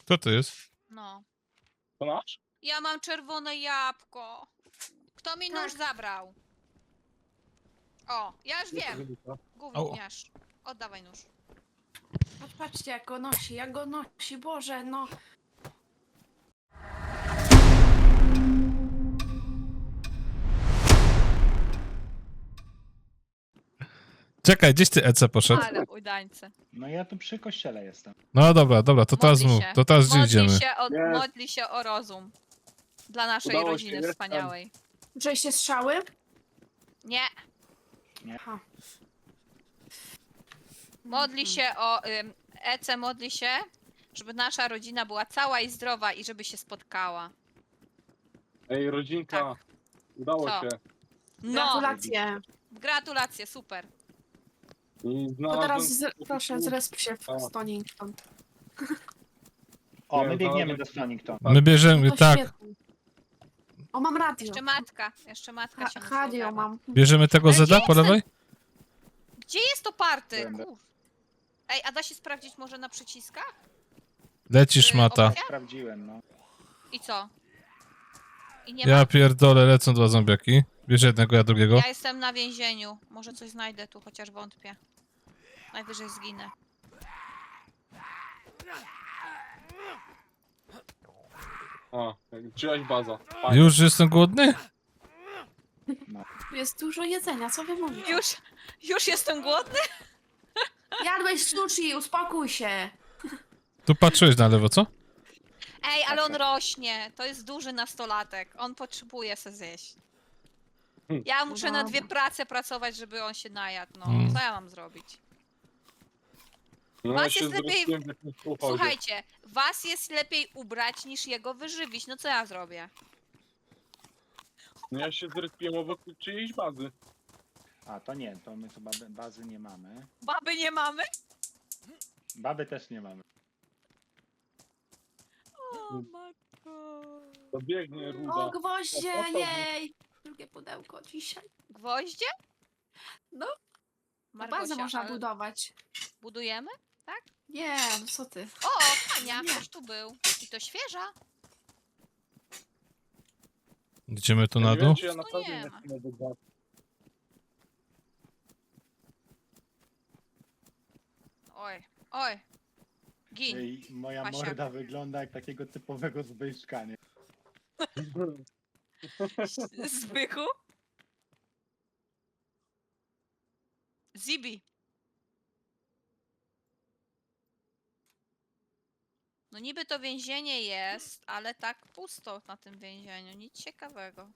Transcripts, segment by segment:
Kto to jest? No. To nasz? Ja mam czerwone jabłko. Kto mi nóż zabrał? O, ja już wiem. Gówniarz. Oddawaj nóż. Patrzcie, jak go nosi, Boże, no. Czekaj, gdzieś ty Ece poszedł? Ale udańce. No ja tu przy kościele jestem. No dobra, to teraz Modli mów. się. To teraz gdzie idziemy? Modli się o rozum. Dla naszej Udało się, rodziny jestem. wspaniałej. Słyszeliście strzały? Nie. Aha. Modli się o... Ece modli się, żeby nasza rodzina była cała i zdrowa i żeby się spotkała. Ej, rodzinka. Tak. Udało Co? się. No! Gratulacje. Gratulacje, super. I To znalazłem... teraz proszę zresp się w Stonington. O, Nie, my biegniemy znalazłem- do Stonington. My bierzemy, To tak, świetnie. O, mam radio. Jeszcze matka się musi Radio ogarnąć. mam. bierzemy tego Ale Zeda gdzie po jest lewej? Gdzie jest to party? Będę. Kur... Ej, a da się sprawdzić może na przyciskach? Lecisz mata. Opcja? Sprawdziłem, no. I co? I nie Ja ma? pierdolę, lecą dwa zombiaki. Bierz jednego, ja drugiego. Ja jestem na więzieniu. Może coś znajdę tu, chociaż wątpię. Najwyżej zginę. A, czyjaś baza. Fajnie. Już jestem głodny? Tu jest dużo jedzenia, co wy mówicie? Już jestem głodny? Jadłeś sushi, uspokój się. Tu patrzyłeś na lewo, co? Ej, ale on Tak. rośnie. To jest duży nastolatek. On potrzebuje se zjeść. Ja muszę na Dobra. 2 prace pracować, żeby on się najadł. No, Mm. co ja mam zrobić? No, Was ja się jest lepiej- zwróciłem w jakimś pochodzie. Słuchajcie, was jest lepiej ubrać niż jego wyżywić. No co ja zrobię? No ja się zrespiłem obok czyjejś bazy. A, to nie, to my chyba bazy nie mamy. Baby nie mamy? Baby też nie mamy. O matko. To biegnie ruda. O, gwoździe, O, to- jej. Drugie pudełko dzisiaj. Gwoździe? No, Margosia, bazę można ale budować. budujemy? Nie, no co ty. O, Ania, Nie. ktoś tu był. I to świeża. Idziemy tu Ja na nie wiem, dół? czy ja Tu naprawdę nie nie ma. chcę do bazy. Oj, oj. Gin. Ej, moja Pasiak. morda wygląda jak takiego typowego Zbyszka, nie? Zbychu? Zibi. No niby to więzienie jest, ale tak pusto na tym więzieniu. Nic ciekawego.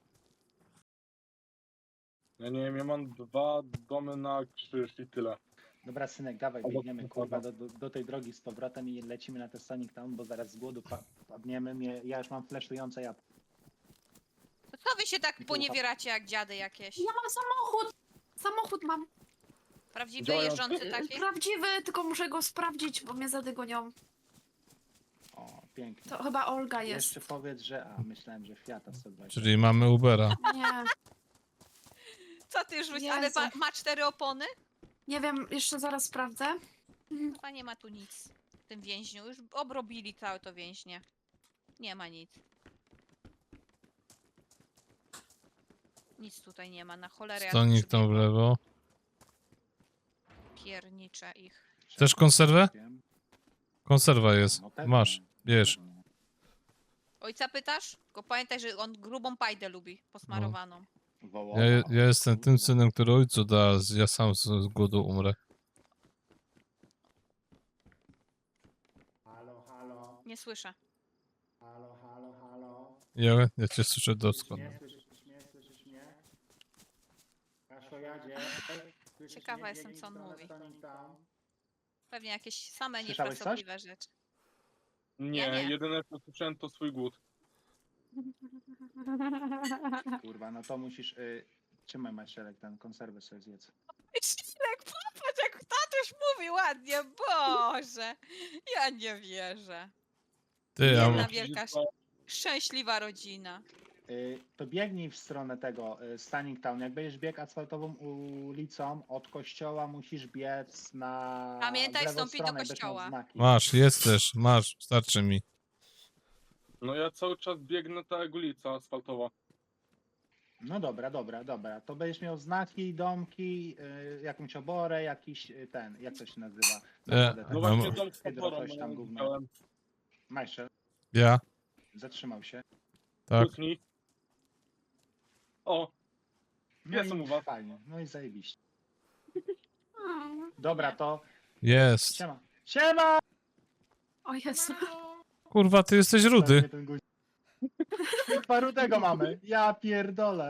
Ja nie wiem, ja mam 2 domy na krzyż i tyle. Dobra, synek, dawaj, Albo biegniemy kurwa do tej drogi z powrotem i lecimy na ten Stonington, bo zaraz z głodu padniemy. Ja już mam flashujące jabłko. To co wy się tak poniewieracie jak dziady jakieś? Ja mam samochód. Samochód mam. Prawdziwy, Działają- jeżdżący taki? Prawdziwy, tylko muszę go sprawdzić, bo mnie zadygonią. O, pięknie. To chyba Olga jest. Jeszcze powiedz, że... A, myślałem, że Fiata 120. Czyli mamy Ubera. Nie, Co ty już ale Jezu. ma 4 opony? nie wiem, jeszcze zaraz sprawdzę. Chyba nie ma tu nic w tym więźniu. Już obrobili całe to więźnie. Nie ma nic. Nic tutaj nie ma, na cholerę. ja tu Stonik tam w przybiegłam. lewo. Pierniczę ich. Chcesz konserwę? Wiem. Konserwa jest. No pewnie. Masz, bierz. Pewnie. Ojca pytasz? Tylko pamiętaj, że on grubą pajdę lubi, posmarowaną. Wołowa. Ja jestem tym synem, który ojcu da, ja sam z głodu umrę. Halo, halo, Nie słyszę. halo, halo, halo. Ja cię słyszę doskonale. Słyszysz mnie? Kaszojadzie. Słyszysz Ciekawa mnie? jestem, co on Biegnij w mówi. stronę Stonington. Pewnie jakieś same Słyszałeś coś? niefrasobliwe rzeczy. Nie, Ja nie. jedyne co słyszałem to swój głód. Kurwa, no to musisz... Trzymaj Marcelek, ten konserwę sobie zjedz. Szylek, popatrz jak tatuś mówi ładnie, Boże! Ja nie wierzę. Ty, a Jedna wielka, Wszystko- szczęśliwa rodzina. To biegnij w stronę tego Stunning Town. Jak będziesz biegł asfaltową ulicą, od kościoła musisz biec na Pamiętaj, w lewą wstąpić do stronę i będziesz miał kościoła. znaki. Masz, jest też, masz, starczy mi. No ja cały czas biegnę ta jak ulica asfaltowa. No dobra. To będziesz miał znaki, domki, jakąś oborę, jakiś ten, jak to się nazywa? Naprawdę, No Mam- właśnie dom z hydro, podporą coś tam gówno. widziałem. Majszel Ja, zatrzymał się. tak. Kucnij. O, No Jestem i u was. fajnie, no i zajebiście. Dobra, to Jest. siema. Siema! O Jezu. Kurwa, ty jesteś rudy. Pewnie ten guzik. Kurwa, rudego mamy. Ja pierdolę.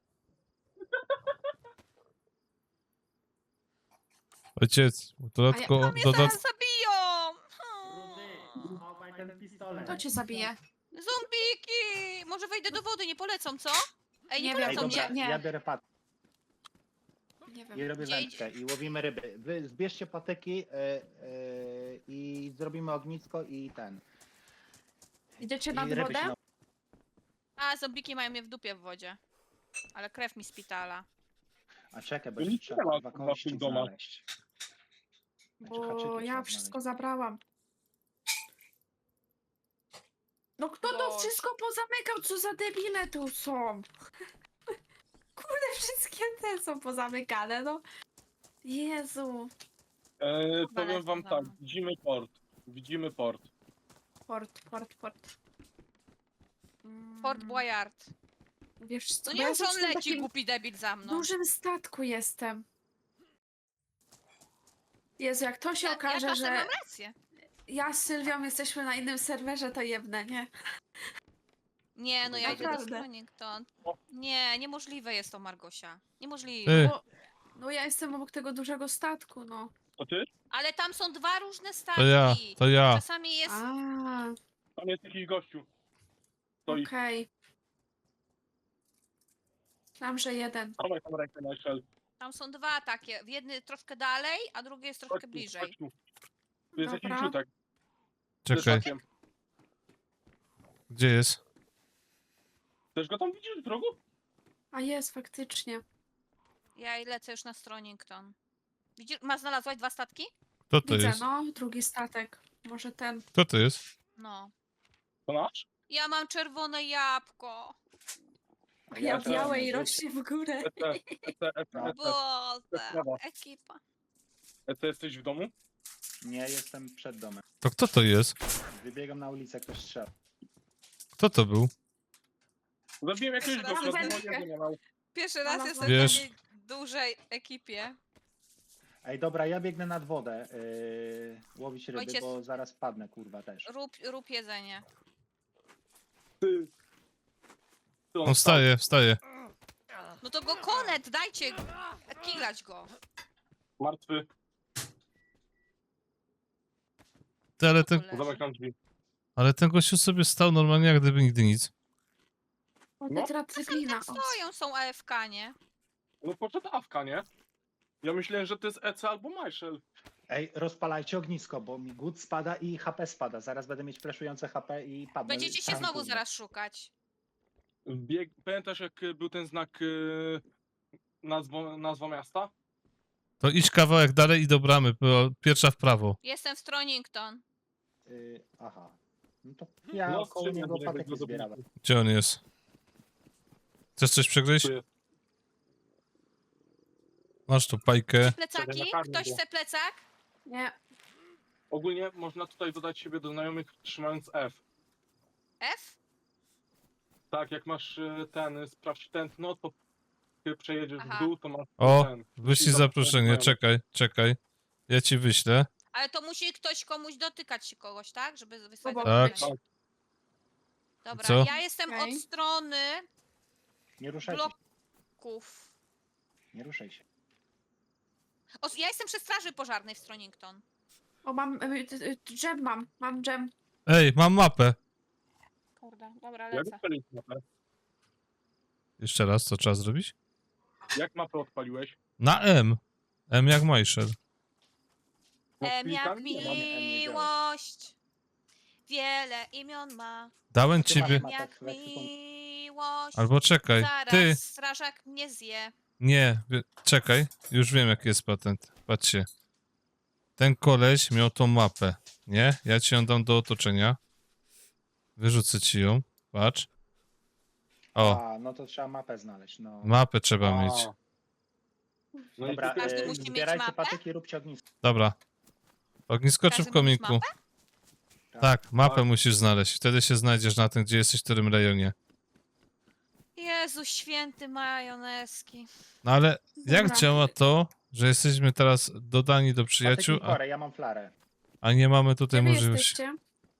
Ojciec, dodatkowo, Mnie zaraz zabiją! Kto cię zabije? Zombiki! Może wejdę do wody, nie polecą, co? Ej, nie Nie Ej, wiem, polecą dobra, mnie. nie. ja biorę patyk Nie i wiem. robię Gdzie wędkę i łowimy ryby. Wy zbierzcie patyki i zrobimy ognisko i ten. Idziecie I nad ryby wodę? się na... A, zombiki mają mnie w dupie w wodzie. Ale krew mi spitala. A czekaj, bo To jeszcze nic trzeba nie ma, kurwa kurwa, w kości tym domach. znaleźć. Znaczy, Bo haczyki ja trzeba wszystko znaleźć. zabrałam. No kto to Boże. wszystko pozamykał? Co za debile tu są? Kurde, wszystkie te są pozamykane, no. Jezu. Powiem wam tak, widzimy port. Widzimy port. Port. Fort Boyard. Wiesz co, No bo nie ja mów, że on jestem w leci, takim głupi debil za mną. dużym statku jestem. Jezu, jak to się Ja okaże, czasem że mam rację. ja z Sylwią jesteśmy na innym serwerze, to jebnę, nie? Nie, no ja idę do Naprawdę. Stonington. Nie, niemożliwe jest to, Margosia. Ty. Niemożliwe. No ja jestem obok tego dużego statku, no. To ty? Ale tam są dwa różne statki. To ja. Czasami jest... A, Tam jest jakiś gościu. Stoi. okej. Myślałam, że jeden. Dawaj tam rękę na szel. Tam są dwa takie. Jedny troszkę dalej, a drugi jest troszkę bliżej. Chodź tu. Tu jest jakiś Dobra. rzutek. Czekaj, gdzie jest? Też go tam widzisz w drogu? A jest, faktycznie. Ja lecę już na Stonington. Widzisz, znalazłaś dwa statki? Kto to Widzę, jest? no, drugi statek. Może ten. Kto to jest? No. To nasz? Ja mam czerwone jabłko. A Ja ja też białe mam i rzuć. rośnie w górę. Boże, Brawo. ekipa. Jesteś w domu? Nie, jestem przed domem. To kto to jest? Wybiegam na ulicę, ktoś strzela. Kto to był? Zabiłem jakiegoś Teraz gościa, wędkę. bo nie miał. Pierwszy raz Ona jestem Wiesz- w takiej dużej ekipie. Ej, dobra, ja biegnę nad wodę łowić ryby, Ojciec- bo zaraz padnę, kurwa, też. Rób jedzenie. Ty. Ty On wstaje. No to go konet, dajcie kilać go. Martwy. Ty, Zamykam drzwi. ale ten gościu sobie stał normalnie, jak gdyby nigdy nic. O, No. tetracyklina. Tak stoją, są AFK, nie? No poszedł Awka, nie? Ja myślałem, że to jest EC albo Marshall. Ej, rozpalajcie ognisko, bo mi głód spada i HP spada. Zaraz będę mieć preszujące HP i padnę. Będziecie się Tam, znowu kurwa. zaraz szukać. Pamiętasz jak był ten znak nazwa miasta? To idź kawałek dalej i do bramy, bo pierwsza w prawo. Jestem w Stonington. Aha. No to ja No, koło strzeliłem niego do niego, patyki go zbierałem. Gdzie on jest? Chcesz coś przegryźć? Tu jest. Masz tu pajkę. Plecaki? nakarmię Ktoś go. chce plecak? Nie. Ogólnie można tutaj dodać siebie do znajomych trzymając F. F? Tak, jak masz sprawdź tętno, to ty przejedziesz Aha. w dół, to masz O, ten. wyślij I zaproszenie, znajomych. czekaj. Ja ci wyślę. Ale to musi ktoś komuś dotykać się kogoś, tak? Żeby wysłać Obok Tak. zaproszenie. Dobra, Co? ja jestem Okej. od strony Nie ruszajcie się. bloków. Nie ruszaj się. Ja jestem przy straży pożarnej w Stonington. O, mam dżem mam dżem. Ej, mam mapę. Kurde, dobra, Jak lecę. odpaliłeś mapę? Jeszcze raz, co trzeba zrobić? Jak mapę odpaliłeś? Na M. M jak Majszel. No, Jak klikam, nie mam. miłość. Wiele imion ma. Dałem Ty masz ciebie. mapę Jak w ekwipunku. miłość. Albo czekaj, Zaraz ty, strażak mnie zje. nie, czekaj, już wiem jaki jest patent. Patrzcie. Ten koleś miał tą mapę, nie? Ja ci ją dam do otoczenia. Wyrzucę ci ją, patrz. O, A, no to trzeba mapę znaleźć, no. mapę trzeba A. mieć. No Dobra, i ty, Każdy musi mieć zbierajcie mapę? patyki, róbcie ognisko. Dobra. Ognisko czy w Każdy ma mieć kominku? mapę? Tak, mapę Tak. musisz znaleźć. Wtedy się znajdziesz na tym, gdzie jesteś, w którym rejonie. Jezu święty majoneski. No ale jak Dobra. działa to, że jesteśmy teraz dodani do przyjaciół, Patyki chore, ja mam flarę. a nie mamy tutaj Gdzie wy możliwości? jesteście?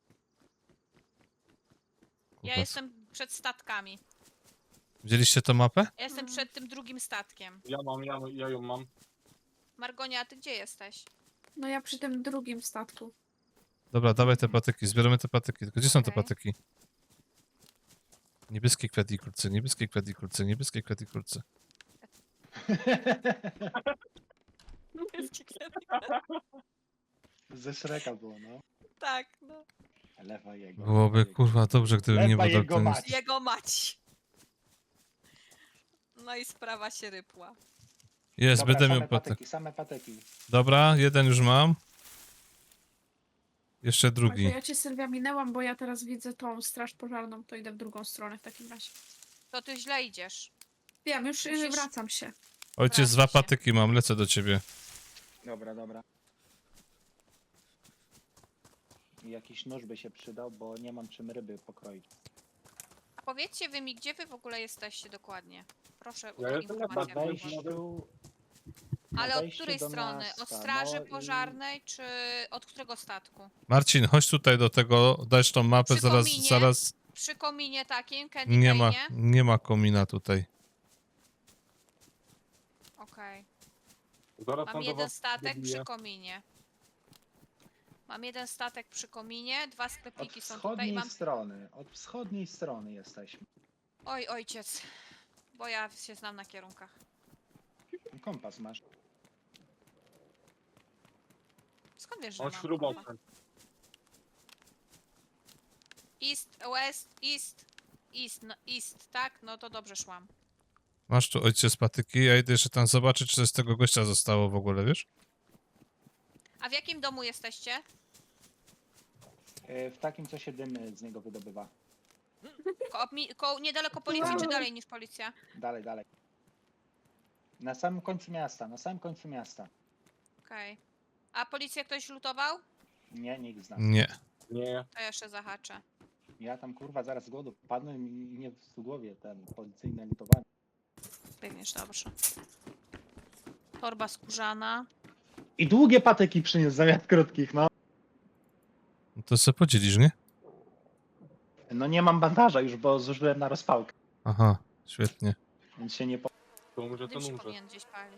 Ja jestem przed statkami. Widzieliście tą mapę? Ja jestem przed tym drugim statkiem. ja ją mam. Margonia, a ty gdzie jesteś? No ja przy tym drugim statku. Dobra, dawaj te patyki, zbieramy te patyki. Tylko gdzie są te Okej. patyki? Niebieskie kwiatikulce, niebieskie kwiatikulce, niebieskie kwiatikulce. Ze Shreka było, no. Tak, no. Lewa jego. Byłoby lewa jego. kurwa dobrze, gdyby nie Lewa było jego ten... mać. Jego mać. No i sprawa się rypła. Jest, Dobra, będę miał same patyk. patyki, same patyki. Dobra, jeden już mam. Jeszcze Także drugi. ja cię Sylwia minęłam, bo ja teraz widzę tą straż pożarną, to idę w drugą stronę w takim razie. To ty źle idziesz. Wiem, już Musisz- wracam się. Ojciec, dwa Wracam się. patyki mam, lecę do ciebie. Dobra, dobra. I jakiś nóż by się przydał, bo nie mam czym ryby pokroić. A powiedzcie wy mi, gdzie wy w ogóle jesteście dokładnie? Proszę Ja o jestem na Na informację. Dobra, wejściu... na Ale od wejściu której do strony? miasta, Od straży no i- pożarnej, czy od którego statku? Marcin, chodź tutaj do tego, dać tą mapę, Przy zaraz, kominie? zaraz... Przy kominie takim, Candy Nie ma, Cane'ie? nie ma komina tutaj. Okej. Zaraz Mam tam do jeden was statek dobiję. przy kominie. Mam jeden statek przy kominie, dwa Od sklepiki są tutaj. wschodniej Mam... strony, od wschodniej strony jesteśmy. Oj, ojciec. Bo ja się znam na kierunkach. Kompas masz. Skąd wiesz, że On mam śrubokręt. kompas? East, west, east, east, no, east, tak? No to dobrze szłam. Masz tu ojciec patyki, ja idę jeszcze tam zobaczyć, czy coś z tego gościa zostało w ogóle, wiesz? A w jakim domu jesteście? W takim, co się dym z niego wydobywa. Niedaleko policji, czy dalej niż policja? Dalej, dalej. Na samym końcu miasta, na samym końcu miasta. Okej. A policję ktoś lutował? Nie, nikt z nas. Nie. Nie, To jeszcze zahaczę. Ja tam kurwa zaraz z głodu padnę i nie w głowie ten policyjne lutowanie. Biegniesz dobrze. Torba skórzana. I długie patyki przyniósł zamiast krótkich, no. No to se podzielisz, nie? No nie mam bandaża już, bo zużyłem na rozpałkę, Aha, świetnie. więc się nie po... to umrze, to Dym się umrze. powinien gdzieś palić.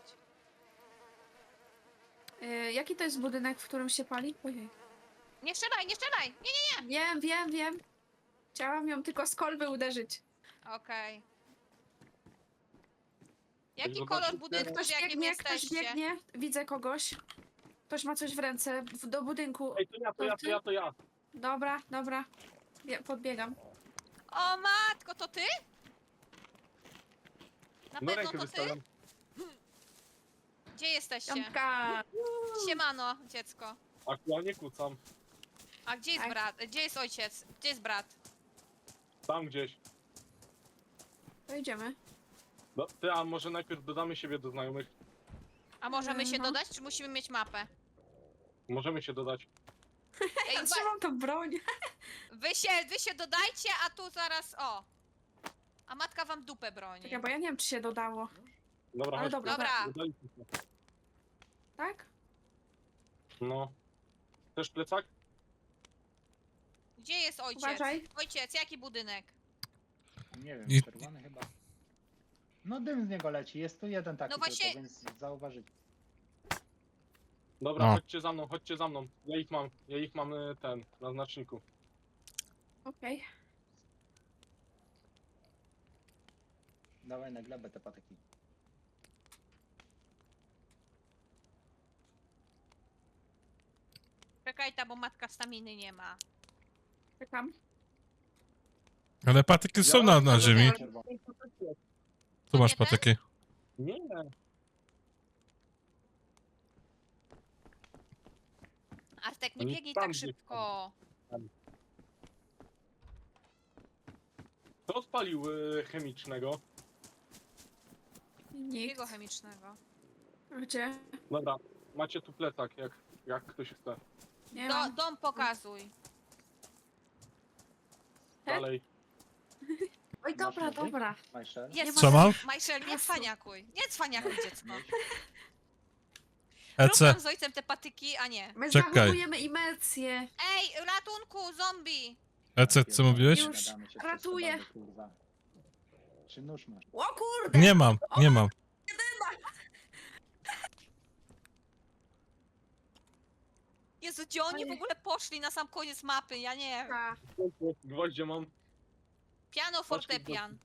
Jaki to jest budynek, w którym się pali? Ojej. Nie strzelaj, nie strzelaj! Nie, Wiem. Chciałam ją tylko z kolby uderzyć. okej. Jaki zobaczycie- kolor budynku, Ktoś w jakim biegnie, ktoś jesteście? biegnie. Widzę kogoś. Ktoś ma coś w ręce. Do budynku. Ej, to ja. Dobra. Podbiegam. O matko, to ty? Na No pewno rękę to ty? wystawiam. Gdzie jesteście? Piątka. Siemano, dziecko. Aktualnie kucam. A gdzie jest Tak. brat? Gdzie jest ojciec? Gdzie jest brat? Tam gdzieś. To idziemy. No, ty, a może najpierw dodamy siebie do znajomych? A możemy się No. dodać, czy musimy mieć mapę? Możemy się dodać. Ej, Ja trzymam tą broń. wy się dodajcie, a tu zaraz, o. A matka wam dupę broni. Czekaj, bo ja nie wiem, czy się dodało. Dobra, Ale chodź. dobra. Dobra, Dodaliśmy się. Tak? No. Też plecak? gdzie jest ojciec? Uważaj. Ojciec, jaki budynek? Nie wiem, I- czerwony chyba. No dym z niego leci, jest tu jeden taki No właśnie- tylko, więc zauważycie. Dobra, No. chodźcie za mną. Ja ich mam ten, na znaczniku. Okej. Dawaj na glebę te patyki. Czekaj ta, bo matka staminy nie ma. Czekam. Ale patyki są na ziemi. Tu masz nie ten? patyki. Nie, Artek, nie Oni biegnij tam tak biegną. szybko. kto spalił chemicznego? Nikt. Jego chemicznego. Gdzie? Dobra, macie tu plecak, jak ktoś chce. Nie mam. Dom pokazuj. Dalej. Oj, dobra, Masz nowy? dobra. Majszer? Nie Co mam? Majszel, nie cwaniakuj. Nie cwaniakuj, dziecko. Rób Ece. tam z ojcem te patyki, a nie. My Czekaj. zachowujemy imersję. Ej, ratunku, zombie! Ece, co mówiłeś? Już Gadamy się ratuję. przez sobą, kurwa. Czy nóż masz? O kurde! Nie mam, nie mam. Jezu, gdzie oni w Ojej. ogóle poszli na sam koniec mapy? Ja nie wiem. A, Gwoździe mam. Piano, fortepian.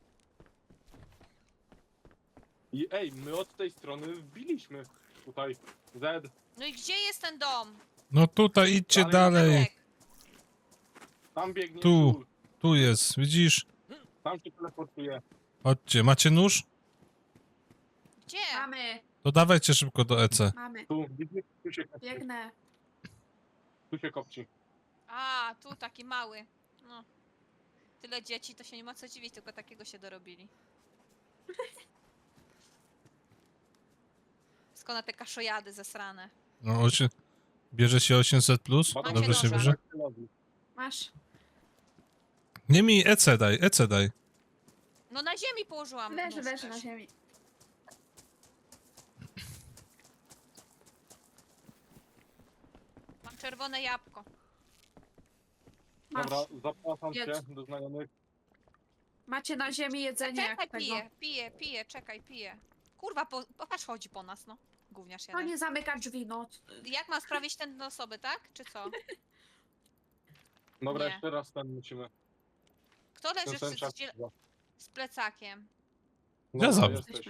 I ej, my od tej strony wbiliśmy. Tutaj. Z. No i gdzie jest ten dom? No tutaj idźcie Dalej. dalej. Artek, Tam biegnie Tu. żul. Tu jest, widzisz? Tam się teleportuje. Chodźcie, macie nóż? gdzie? mamy, To dawajcie szybko do EC. mamy. Tu, widzisz? Biegnę. Tu się kopci. A, tu taki mały. No. Tyle dzieci, to się nie ma co dziwić, tylko takiego się dorobili. Skąd te kaszojady zesrane? No, bierze się 800 plus? Macie Dobrze się noża. bierze? Masz. Nie mi EC daj, EC daj. No na ziemi położyłam. Leży, nóż leży też. na ziemi. Mam czerwone jabłko. Masz. Dobra, zapraszam cię Jedz. do znajomych. Macie na ziemi jedzenie Czekaj, jak tego. piję, czekaj, piję. Kurwa, patrz, chodzi po nas, no. Gówniarz To jeden. nie zamyka drzwi, no. Jak mam sprawić ten do osoby, tak? Czy co? Dobra, Nie. jeszcze raz ten musimy. Kto leży Ten czas. z plecakiem? Ja za- jesteś.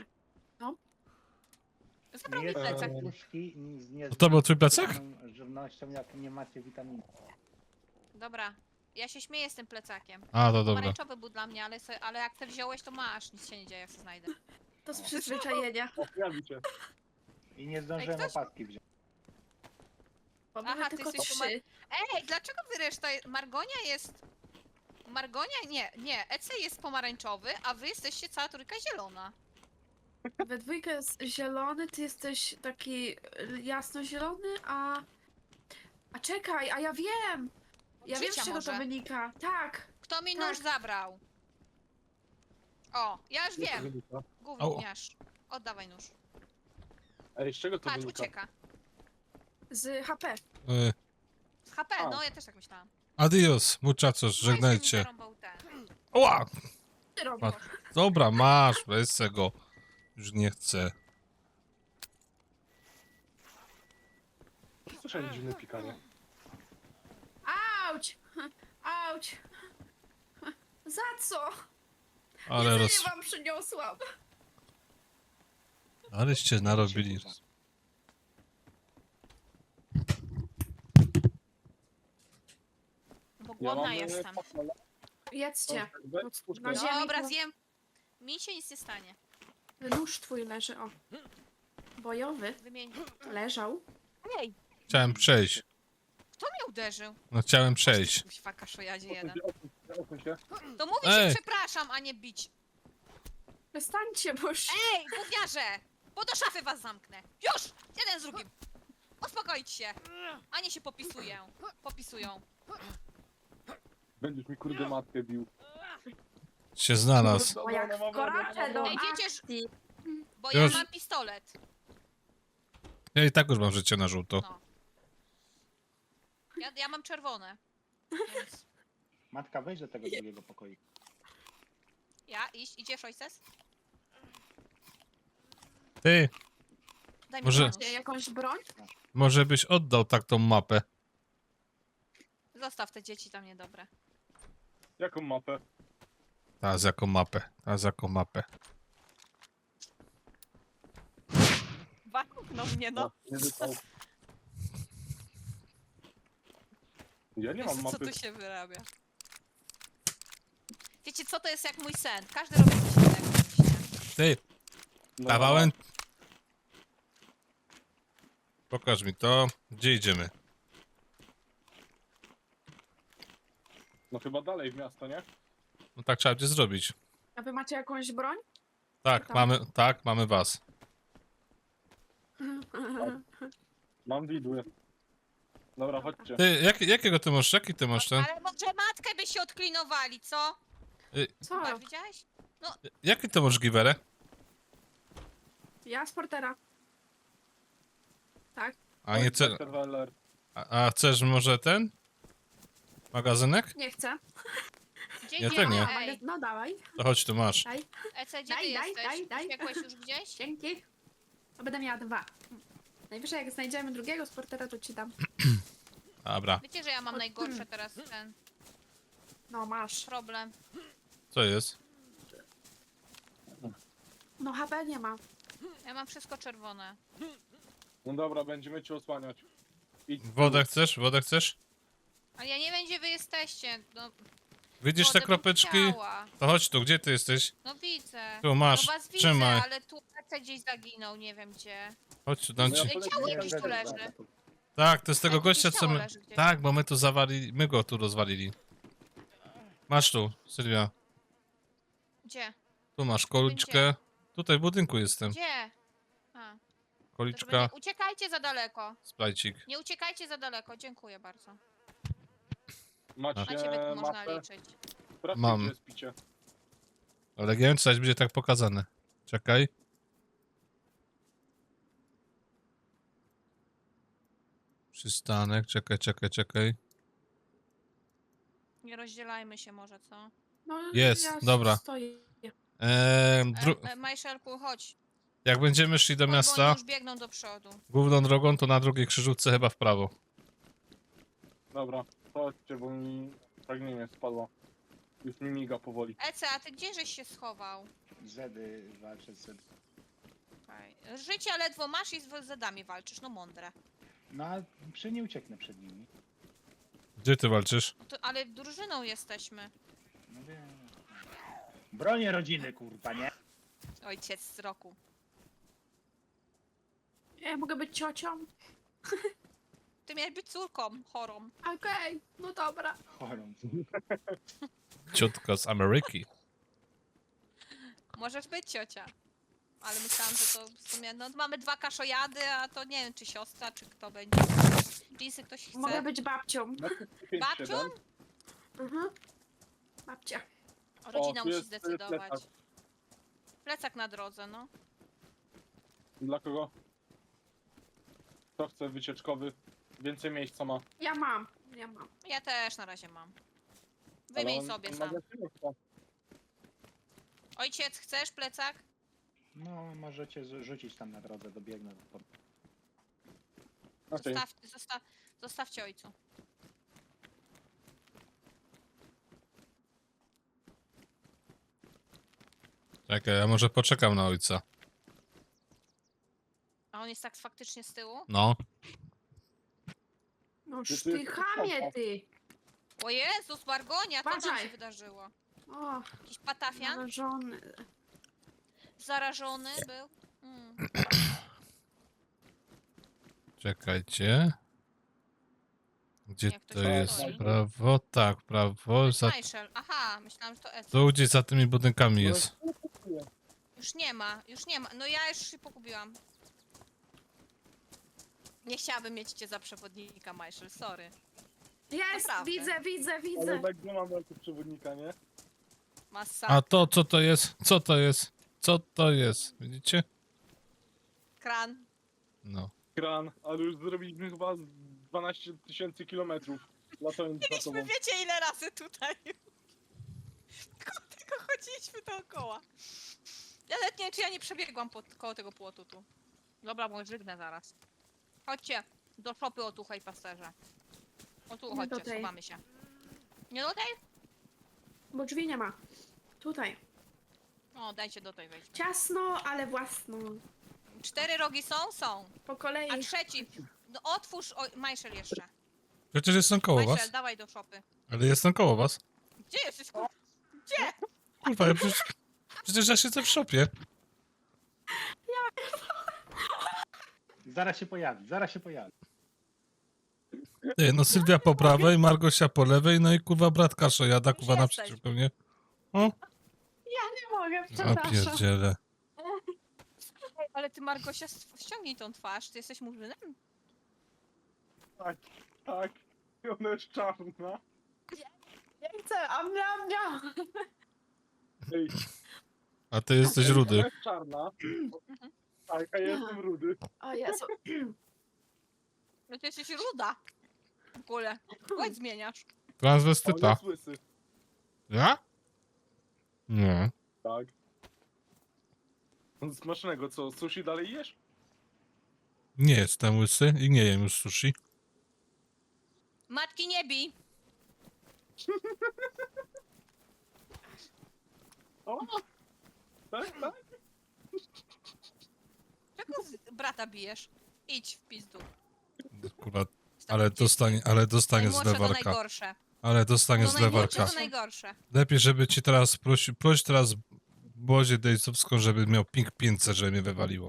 Zabrał Nie mi jest plecak. puszki z nie To był twój plecak? żywnością, jak nie macie witamin. Dobra. Ja się śmieję z tym plecakiem. A, to dobra. Pomarańczowy był dla mnie, ale jak te wziąłeś, to masz. Nic się nie dzieje, jak się znajdę. To z przyzwyczajenia. O, pojawi się. I nie zdążyłem ktoś- opaski wziąć. Bo Aha, mamy ty tylko jesteś 3. Ej, dlaczego wy reszta... Margonia jest... Margonia? Nie. Ece jest pomarańczowy, a wy jesteście cała trójka zielona. We dwójkę jest zielony, ty jesteś taki jasnozielony, a... A czekaj, a ja wiem! Ja wiem, z Życia czego to może. wynika. Tak. Kto mi Tak. nóż zabrał? O, ja już wiem. Gówniarz. Oddawaj nóż. Ej, z czego to Patrz, wynika? ucieka. Z HP. Z HP, A. no ja też tak myślałam. Adios, muchachos, No i się mi żegnajcie. zarąbał ten. Oła! Ty robisz. A- Dobra, masz, weź se go. Już nie chcę. Słyszałem dziwne pikanie. Auć! Auć! Za co? Ale Jedzenie wam przyniosłam. Aleście narobili. Bo Ja głodna mam, jestem. fasolę. Jedzcie. Weź puszkę. Na ziemi. Dobra, to- zjem. Mi się nic nie stanie. Nóż twój leży, o. Bojowy. Wymień. Leżał. Ej, Chciałem przejść. kto mnie uderzył? No chciałem przejść. Kuźwa, kaszojadzie jeden. Odsuń się. To mówi Ej. się przepraszam, a nie bić. Przestańcie, bo już... Ej, gówniarze! Bo do szafy was zamknę. Już! Jeden z drugim. Uspokoić się. A nie się popisują. Będziesz mi kurde matkę bił. Się znalazł. O, jak wkoraczę do Ej, wiecie, akcji. Bo Już. ja mam pistolet. Ja i tak już mam życie na żółto. No. Ja mam czerwone. Więc Matka, wejdź do tego drugiego pokoju. idziesz ojces? Ty, Daj mi Może- nóż. Jakąś broń? może byś oddał tak tą mapę. Zostaw te dzieci tam niedobre. Jaką mapę? Teraz jaką mapę, teraz jaką mapę. No mnie, no. Nie dostał. Ja nie mam Co mapy. tu się wyrabia? wiecie co, to jest jak mój sen. Każdy robi coś innego. Ty, No, kawałem... Pokaż mi to. Gdzie idziemy? No chyba dalej w miasto, nie? No tak trzeba będzie zrobić. A wy macie jakąś broń? Tak, Tam. mamy was. Mam widły. Dobra, chodźcie. Ty, jakiego ty masz? Jaki ty masz ten? Ale może matkę by się odklinowali, co? Co? Masz, widziałeś? Jaki ty masz giwerę? Ja z portera. Tak? A nie ce... Dr. Weller. A chcesz może ten? Magazynek? Nie chcę. Gdzie Ja idziemy? też nie. Ej, No dawaj. To chodź, tu masz. Daj. Ece, gdzie ty Daj, daj, jesteś? daj, daj. Uciekłeś już gdzieś? Dzięki. To będę miała 2. Najwyżej jak znajdziemy drugiego z portera, to ci dam. Dobra. Wiecie, że ja mam najgorsze teraz ten No masz. problem. Co jest? No HP nie ma. Ja mam wszystko czerwone. No dobra, będziemy cię osłaniać. Idź. Wodę chcesz? Wodę chcesz? Ale ja nie wiem, gdzie wy jesteście. No, Widzisz te wodę bym kropeczki? chciała. To chodź tu, gdzie ty jesteś? No widzę. Tu masz, No was widzę, trzymaj. ale tu Ece gdzieś zaginął, nie wiem gdzie. Chodź tu, dam No ja ci. polecam, Ciało nie jakieś będę tu leży. zaatakował. Tak, to jest tego Ale gościa, jakieś co ciało my... leży gdzieś. Tak, bo my tu zawalili, my go tu rozwalili. Masz tu, Sylwia. Gdzie? Tu masz koliczkę. Tutaj w budynku jestem. Gdzie? A, to żeby Koliczka, nie... Uciekajcie za daleko. splajcik. Nie uciekajcie za daleko, dziękuję bardzo. Macie Na ciebie tu można mapę? liczyć. Sprawdźcie, Mam. gdzie jest picie. Ale nie wiem, czy coś będzie tak pokazane. Czekaj. Przystanek, czekaj. Nie rozdzielajmy się może, co? No, Jest, ja dobra. Stoję. Majszelku, chodź. Jak będziemy szli do Chodź, bo oni miasta, już biegną do przodu. główną drogą, to na drugiej krzyżówce chyba w prawo. Dobra, chodźcie, bo mi pragnienie spadło. Już mi miga powoli. Ece, a ty gdzie żeś się schował? Zedy walczę z Zedy. Okej. Życia ledwo masz i z Zedami walczysz, no mądre. No a nie ucieknę przed nimi. Gdzie ty walczysz? No to, ale drużyną jesteśmy. No wiem. Bronię rodziny, kurwa, nie? Ojciec z roku. Ja mogę być ciocią? Ty miałeś być córką chorą. Okej, no dobra. Chorą. Ciotka z Ameryki. Możesz być ciocia. Ale myślałam, że to w sumie, no mamy 2 kaszojady, a to nie wiem, czy siostra, czy kto będzie. Jeansy ktoś chce. Mogę być babcią. Babcią? Mhm. Babcia. Rodzina tu musi jest, zdecydować. plecak. Plecak na drodze, no. Dla kogo? Kto chce wycieczkowy? Więcej miejsca ma. Ja mam. Ja też na razie mam. Ale Wymień on- sobie on sam. magazynek ma. Ojciec, chcesz plecak? No, możecie rzucić tam na drodze, dobiegnę. Okej. Zostawcie ojcu. Czekaj, ja może poczekam na ojca. A on jest tak faktycznie z tyłu? No. No Ty- ty chamie, ty. O Jezus, Bargonia, co tam Uważaj. się wydarzyło? O, Jakiś patafian? narażony. Zarażony był? Mm. Czekajcie. Gdzie Jak to to się jest? stoi? Prawo? Tak, prawo. Za... Majszel, aha, myślałam, że to Ece. Tu gdzieś za tymi budynkami jest. Już nie ma, już nie ma. No ja już się pogubiłam. Nie chciałabym mieć cię za przewodnika, Majszel, sorry. Jest, Naprawdę. widzę. Ale tak nie mamy jako przewodnika, nie? Masa, A to, co to jest? Co to jest? Co to jest? Widzicie? kran. No. Kran, ale już zrobiliśmy chyba z 12 000 kilometrów. Latając za tobą. Byliśmy wiecie ile razy tutaj. Tylko chodziliśmy dookoła. Ja nawet nie wiem, czy ja nie przebiegłam koło tego płotu tu. Dobra, bo żygnę zaraz. Chodźcie do szopy o tuchaj pasterze. O tu Nie chodźcie, tutaj. schowamy się. Nie do tej? Bo drzwi nie ma. Tutaj. O, dajcie do tej wejść. Ciasno, ale własno. 4 rogi są? Są. Po kolei. A trzeci. No otwórz, Majszel jeszcze. Przecież jestem koło was. Majszel, dawaj do szopy. Ale jestem koło was. Gdzie jesteś? kur- Gdzie? Kurwa, przecież ja siedzę w szopie. Zaraz się pojawi, zaraz się pojawi. Nie, no Sylwia po prawej, Margosia po lewej, no i kurwa brat Kasza jada, Już kurwa jesteś. naprzeciwko mnie. O, Nie mogę, a przepraszam. pierdziele. Ej, ale ty, Margosia, ściągnij tą twarz. Ty jesteś murzynem? Tak, tak. I ona jest czarna. Nie chcę, amnia. Ej, A ty jesteś ona rudy. jest czarna. Tak, a ja jestem rudy. O Jezu. No ty jesteś ruda. W ogóle. Chodź zmieniasz. A on Transwestyta. jest łysy. Ja? Nie. Tak. Smacznego, co? Sushi dalej jesz? Nie jestem łysy i nie jem już sushi. Matki nie bij. O! Tak, tak. Czego brata bijesz? Idź w pizdu. Kurwa, Z takim ale dzieckiem. dostanie z Najmłodsze to lewarka. najgorsze. Ale dostanie No z najmłodsze lewarka. to najgorsze. Lepiej, żeby ci teraz proś teraz Bozie Dejcowską, żeby miał ping 500, żeby mnie wywaliło.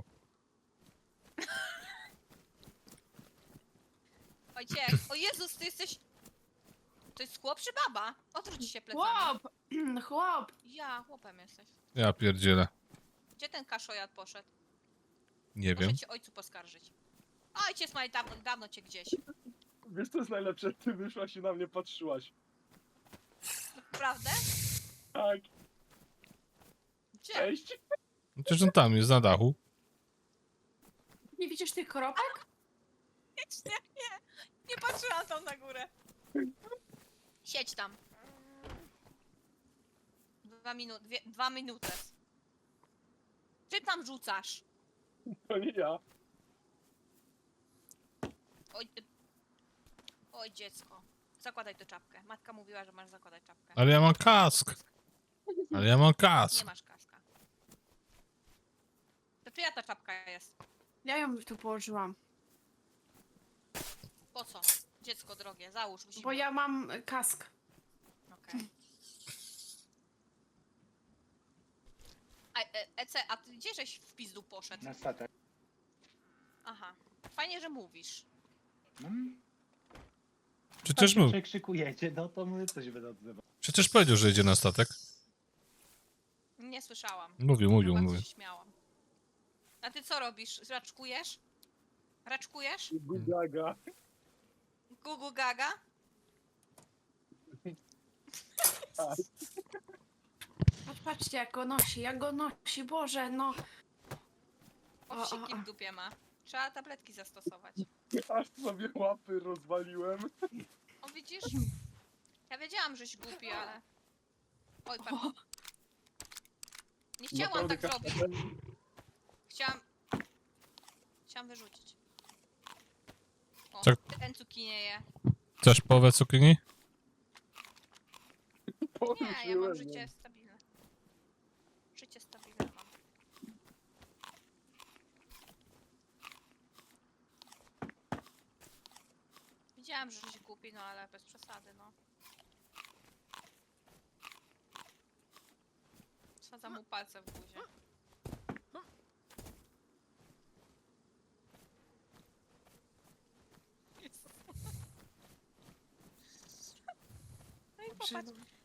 Ojciec, o Jezus, ty jesteś... To jest chłop czy baba? Odwróć się plecami. Chłop! Chłop! Ja, chłopem jesteś. Ja pierdzielę. Gdzie ten kaszojad poszedł? Nie Muszę wiem. cię ojcu poskarżyć. Ojciec ma dawno cię gdzieś. Wiesz co jest najlepsze? Ty wyszłaś i na mnie patrzyłaś. Prawda? Tak, Gdzie? cześć. Przecież on tam jest na dachu. Nie widzisz tych kropek? Nie patrzyłam tam na górę. Siedź tam. 2 minuty. Ty tam rzucasz? To nie ja. Oj, oj dziecko. Zakładaj tę czapkę. Matka mówiła, że masz zakładać czapkę. Ale ja mam kask. Ale ja mam Nie kask. masz kaska. To czyja ta czapka jest? Ja ją tu położyłam. Po co? Dziecko drogie, załóż. Musimy. Bo ja mam kask. Okej. Ece, a ty gdzie żeś w pizdu poszedł? Na statek. Aha. Fajnie, że mówisz. No, Przecież tak mów. przekrzykujecie, no to my coś będę odzywał. Przecież powiedział, że idzie na statek. Nie słyszałam. Mówił. Bardzo się śmiałam. A ty co robisz? Raczkujesz? Raczkujesz? Gugaga. Gugu gaga? Tak. Patrzcie jak go nosi, Boże, no. Owsiki w dupie ma. Trzeba tabletki zastosować. Aż sobie łapy rozwaliłem. O widzisz? Ja wiedziałam, żeś głupi, ale... Oj, pardon. Nie chciałam tak Naprawdę zrobić. Chciałam wyrzucić. O, Tak. ten cukinię je. Chcesz połowę cukinii? Nie, ja mam życie stabilne. Życie stabilne mam. Wiedziałam, że się kupi, no ale bez przesady, no. Wsadzam mu palce w buzię. Jezus. No i popatrz,